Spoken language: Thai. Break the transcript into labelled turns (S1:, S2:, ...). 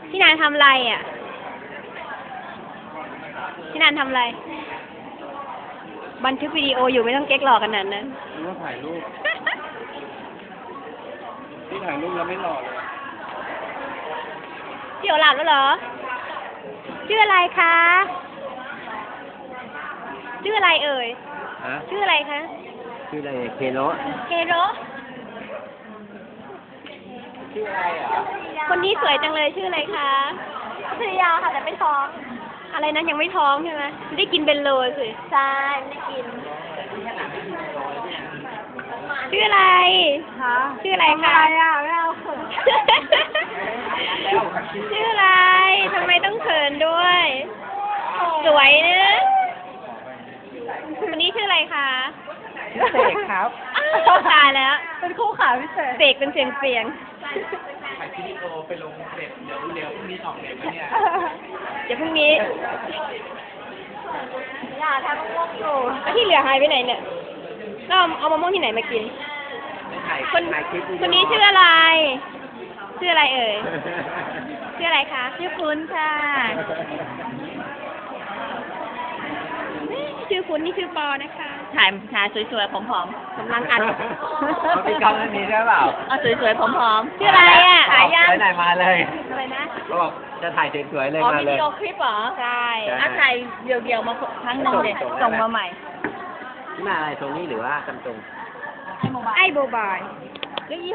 S1: พี่นานทำอะไรอ่ะพี่นานทำอะไรบันทึกวิดีโออยู่ไม่ต้องเก๊กหลอกกันนั้นนะ
S2: นึกว่าถ่ายรูป พี่ถ่ายรูปแล้วไม่หล่อเลย
S1: พี่โอหลับแล้วเหรอชื่ออะไรคะชื่ออะไรเอ่ย
S2: ฮะ
S1: ชื่ออะไรคะ
S2: ชื่ออะไรเคโร
S1: เฮโร
S2: ชื่ออะไรอ่ะ
S1: คนนี้สวยจังเลยชื่ออะไรคะสุริยาค่ะแต่ไม่ท้องอะไรนะยังไม่ท้องใช่ไหมได้กินเบนโลสิใช่ไม่ได้กินชื่ออะไรคะชื่ออะไรคะไม่เอาเขินชื่ออะไรทำไมต้องเขินด้วย สวยนะคนนี้ชื่ออะไรคะ
S2: เสกครับ
S1: ตายแล้ว
S3: เป็นคู่ขาพิเศษ
S1: เสกเป็นเสียงเสียง
S2: ถ่ายวิดีโอไปลงเน็ตเดี๋ยวพรุ่งนี้ออกเน็ตไหมเนี่ย
S1: เดี๋ยวพรุ่งนี้
S3: อย่าทำง่วงอยู่
S1: แล้วที่เหลือหายไปไหนเนี่ยเราเอามะม่วงที่ไหนมากิน
S2: ถ่าย
S1: คน
S2: ถ่ายคลิปวิดีโอ
S1: คนนี้ชื่ออะไร ชื่ออะไรเอ่ย ชื่ออะไรคะ
S3: ชื่อคุณค่ะ
S1: ชื่อคุณนี่ชื่อปอนะคะ
S3: ถ่ายสวยๆผอม
S1: กำลังอัด
S2: เขาพี่ก้องนี้ใช่เปล่า
S3: ๆเอาสวยๆผอมๆ
S1: ชื่ออะไรอ่ะ
S3: หายัง
S2: ไปไหนมาเลย
S1: อะไรนะ
S2: เขาบอกจะถ่ายสวยๆเลย
S3: อ๋อ
S2: มา
S3: วิ
S2: เลย
S3: ดีโอคลิปเหรอ
S1: ใช่
S3: อ่ะถ่ายเดี่ยวๆมาครั้งหนึงเด็
S2: ส่ง
S3: ส่งมาใหม่
S2: นี่มาอะไรตรงนี้หรือว่ากันตรง
S1: ไอ้โบบาย
S3: เรียกยี่